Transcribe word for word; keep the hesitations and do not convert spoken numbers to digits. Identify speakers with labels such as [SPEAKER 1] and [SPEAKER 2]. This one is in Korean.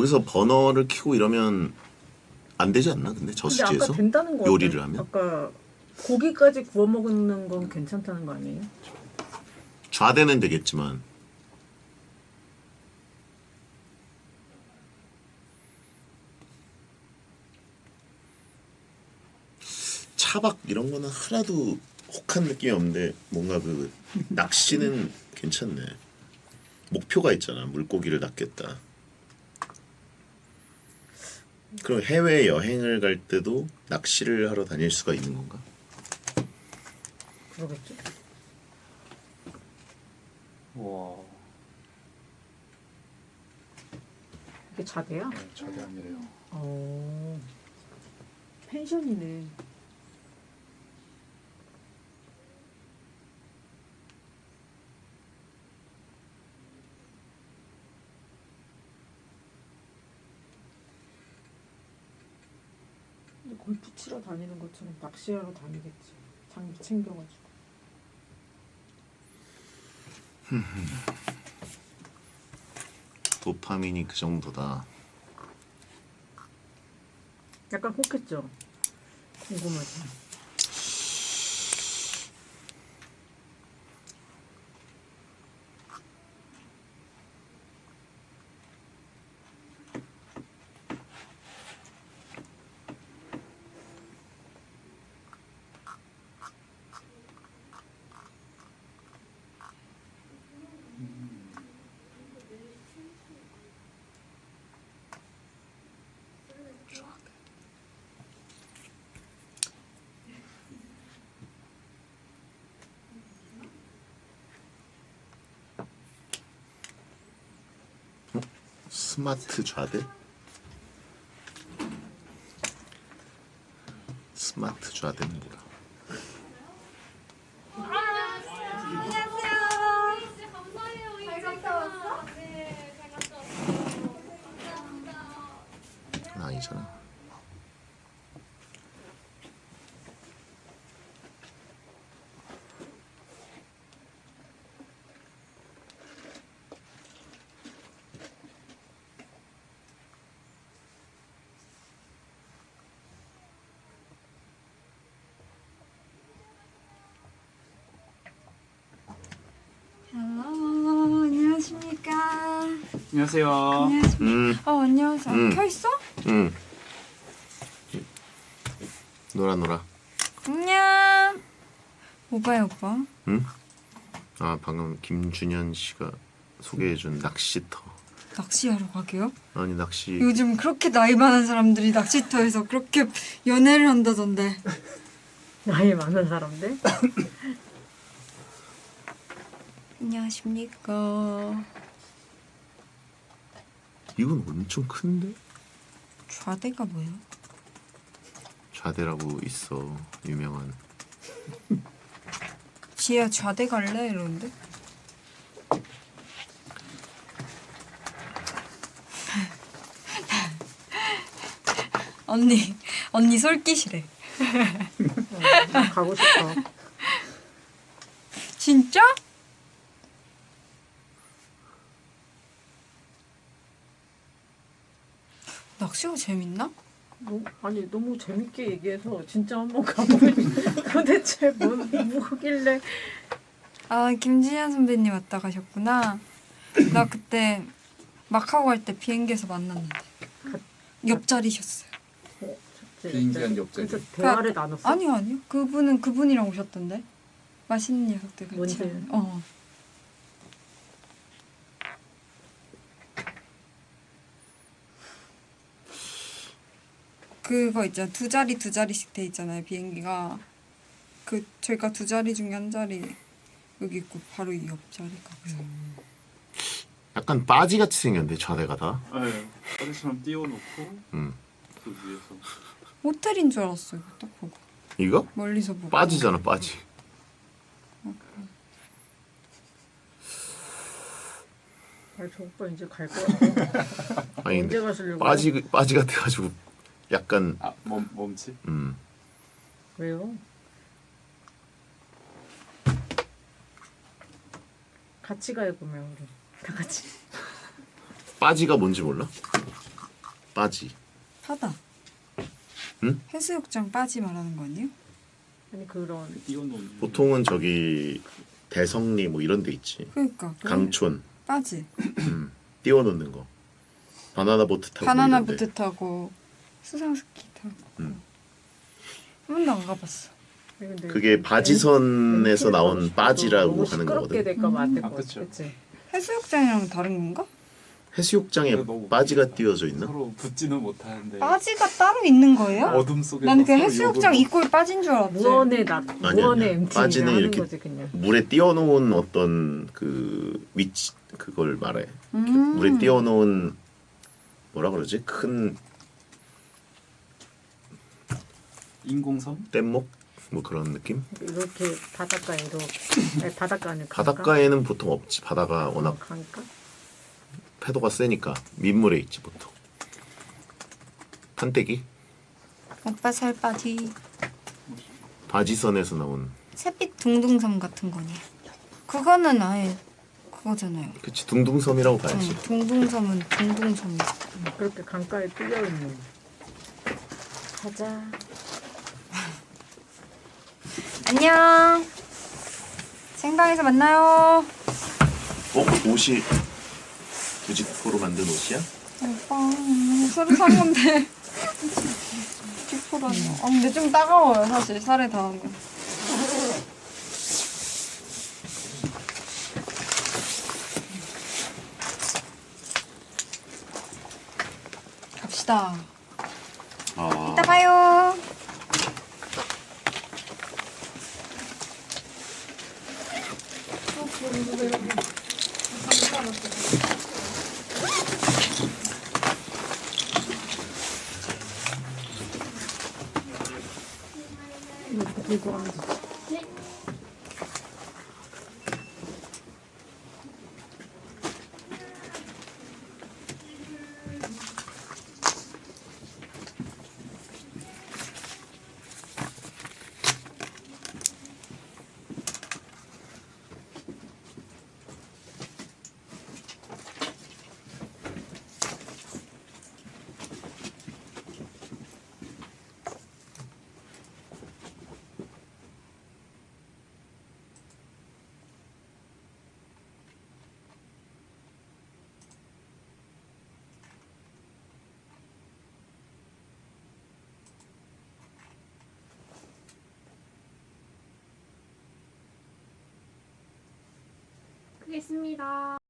[SPEAKER 1] 거기서 버너를 켜고 이러면 안 되지 않나? 근데
[SPEAKER 2] 근데
[SPEAKER 1] 저수지에서
[SPEAKER 2] 아까 된다는 거
[SPEAKER 1] 요리를
[SPEAKER 2] 같아요.
[SPEAKER 1] 하면
[SPEAKER 2] 아까 고기까지 구워 먹는 건 괜찮다는 거 아니에요?
[SPEAKER 1] 좌대는 되겠지만 차박 이런 거는 하나도 혹한 느낌이 없는데 뭔가 그 낚시는 괜찮네. 목표가 있잖아. 물고기를 낚겠다. 그럼 해외 여행을 갈 때도 낚시를 하러 다닐 수가 있는 건가?
[SPEAKER 2] 그러겠죠.
[SPEAKER 3] 와,
[SPEAKER 2] 이게 자대야?
[SPEAKER 3] 네, 자기 아니래요.
[SPEAKER 2] 어. 펜션이네. 근데 골프 치러 다니는 것처럼 낚시하러 다니겠지. 장비 챙겨가지고.
[SPEAKER 1] 도파민이 그 정도다.
[SPEAKER 2] 약간 혹했죠? 궁금하지.
[SPEAKER 1] 스마트 좌대? 스마트 좌대는 뭐야?
[SPEAKER 4] 진짜 감사해요. 잘 갔다 왔어? 네, 잘 갔다 왔어요. 감사합니다.
[SPEAKER 1] 그건 아니잖아.
[SPEAKER 5] 헬로 안녕하십니까.
[SPEAKER 3] 안녕하세요.
[SPEAKER 5] 안녕하십니까.
[SPEAKER 1] 음,
[SPEAKER 5] 어 안녕하세요.
[SPEAKER 1] 음.
[SPEAKER 5] 켜 있어?
[SPEAKER 1] 음. 놀아 놀아.
[SPEAKER 5] 안녕. 오빠야 오빠.
[SPEAKER 1] 응? 아 방금 김준현 씨가 소개해준 낚시터.
[SPEAKER 5] 낚시하러 가게요?
[SPEAKER 1] 아니 낚시
[SPEAKER 5] 요즘 그렇게 나이 많은 사람들이 낚시터에서 그렇게 연애를 한다던데.
[SPEAKER 2] 나이 많은 사람들?
[SPEAKER 5] 안녕하십니까.
[SPEAKER 1] 이건 엄청 큰데?
[SPEAKER 5] 좌대가 뭐야?
[SPEAKER 1] 좌대라고 있어 유명한.
[SPEAKER 5] 지혜야 좌대 갈래? 이러는데. 언니 언니 솔깃이래.
[SPEAKER 2] 어, 나 가고 싶어.
[SPEAKER 5] 진짜? 낚시가 재밌나?
[SPEAKER 2] 너, 아니 너무 재밌게 얘기해서 진짜 한번 가보고 싶어. 도대체 뭔 뭐길래
[SPEAKER 5] 아 김진현 선배님 왔다 가셨구나. 나 그때 막하고 갈 때 비행기에서 만났는데 옆자리셨어요.
[SPEAKER 3] 비행기한 옆자리.
[SPEAKER 2] 그래서 대화를 나눴어?
[SPEAKER 5] 아니요 아니요 그분은 그분이랑 오셨던데 맛있는 녀석들 같이.
[SPEAKER 2] 뭔지?
[SPEAKER 5] 하는- 어. 그거 있잖아 두 자리 두 자리씩 돼 있잖아요 비행기가. 그 저희가 두 자리 중에 한 자리 여기 있고 바로 이 옆자리가 그래서
[SPEAKER 1] 약간 빠지같이 생겼는데 좌대가 다.
[SPEAKER 3] 네, 빠지처럼 띄워놓고
[SPEAKER 1] 음.
[SPEAKER 3] 그 위에서.
[SPEAKER 5] 호텔인 줄 알았어요 딱 보고
[SPEAKER 1] 이거?
[SPEAKER 5] 멀리서 보고.
[SPEAKER 1] 빠지잖아 빠지.
[SPEAKER 2] 아니 저 오빠 이제 갈 거야.
[SPEAKER 1] 아니
[SPEAKER 2] 언제
[SPEAKER 1] 근데
[SPEAKER 2] 가시려고?
[SPEAKER 1] 빠지 빠지 같아가지고 약간
[SPEAKER 3] 아, 멈, 멈치?
[SPEAKER 1] 음.
[SPEAKER 2] 왜요? 같이 가요 그러면 우리 다 같이.
[SPEAKER 1] 빠지가 뭔지 몰라? 빠지.
[SPEAKER 5] 바다.
[SPEAKER 1] 응?
[SPEAKER 5] 해수욕장 빠지 말하는 거 아니에요?
[SPEAKER 2] 아니 그런
[SPEAKER 3] 띄워놓는.
[SPEAKER 1] 보통은 저기 대성리 뭐 이런 데 있지.
[SPEAKER 5] 그러니까 그
[SPEAKER 1] 강촌
[SPEAKER 5] 빠지.
[SPEAKER 1] 음, 띄워놓는 거. 바나나 보트 타고
[SPEAKER 5] 바나나
[SPEAKER 1] 이런데.
[SPEAKER 5] 보트 타고 수상스키 타고.
[SPEAKER 1] 음.
[SPEAKER 5] 한 번도 안 가봤어.
[SPEAKER 2] 근데
[SPEAKER 1] 그게 바지선에서 나온 빠지라고
[SPEAKER 2] 너무
[SPEAKER 1] 하는
[SPEAKER 2] 시끄럽게
[SPEAKER 1] 거거든.
[SPEAKER 2] 될까봐 안 될
[SPEAKER 3] 아,
[SPEAKER 2] 것
[SPEAKER 3] 그쵸.
[SPEAKER 2] 같아. 그치?
[SPEAKER 5] 해수욕장이랑 다른 건가?
[SPEAKER 1] 해수욕장에
[SPEAKER 3] 그래, 너무
[SPEAKER 1] 빠지가 띄워져 있나?
[SPEAKER 3] 서로 붙지는 못하는데.
[SPEAKER 5] 빠지가 따로 있는 거예요?
[SPEAKER 3] 어둠 속에서.
[SPEAKER 5] 나는 그
[SPEAKER 3] 서로
[SPEAKER 5] 해수욕장
[SPEAKER 3] 욕을
[SPEAKER 5] 입구에 빠진 줄 알았지.
[SPEAKER 2] 무언의 낙,
[SPEAKER 1] 아니야,
[SPEAKER 2] 무언의
[SPEAKER 1] 아니야.
[SPEAKER 2] 엠티
[SPEAKER 1] 빠지는
[SPEAKER 2] 하는
[SPEAKER 1] 이렇게
[SPEAKER 2] 거지 그냥.
[SPEAKER 1] 물에 띄워놓은 어떤 그 위치 그걸 말해.
[SPEAKER 5] 음.
[SPEAKER 1] 물에 띄워놓은 뭐라 그러지? 큰
[SPEAKER 3] 인공섬?
[SPEAKER 1] 뗏목 뭐 그런 느낌?
[SPEAKER 2] 이렇게 바닷가에 이렇게 아니, 바닷가는
[SPEAKER 1] 바닷가에는 보통 없지. 바다가 워낙
[SPEAKER 2] 강가?
[SPEAKER 1] 파도가 세니까 민물에 있지 보통. 판때기?
[SPEAKER 5] 오빠 살 빠지.
[SPEAKER 1] 바지선에서 나온.
[SPEAKER 5] 샛빛 둥둥섬 같은 거니. 그거는 아예 그거잖아요.
[SPEAKER 1] 그치 둥둥섬이라고 봐야지.
[SPEAKER 5] 응, 둥둥섬은 둥둥섬.
[SPEAKER 2] 그렇게 강가에 뚫려 있는. 가자.
[SPEAKER 5] 안녕. 생방에서 만나요.
[SPEAKER 1] 어? 옷이 부직포로 만든 옷이야?
[SPEAKER 5] 오빠 새로 산 건데. 뒷포라니. 아 근데 좀 따가워요 사실 살에 닿으면. 갑시다.
[SPEAKER 1] 아.
[SPEAKER 5] 이따 봐요.
[SPEAKER 2] 이렇게 들고 가면 되지.
[SPEAKER 4] 끄겠습니다.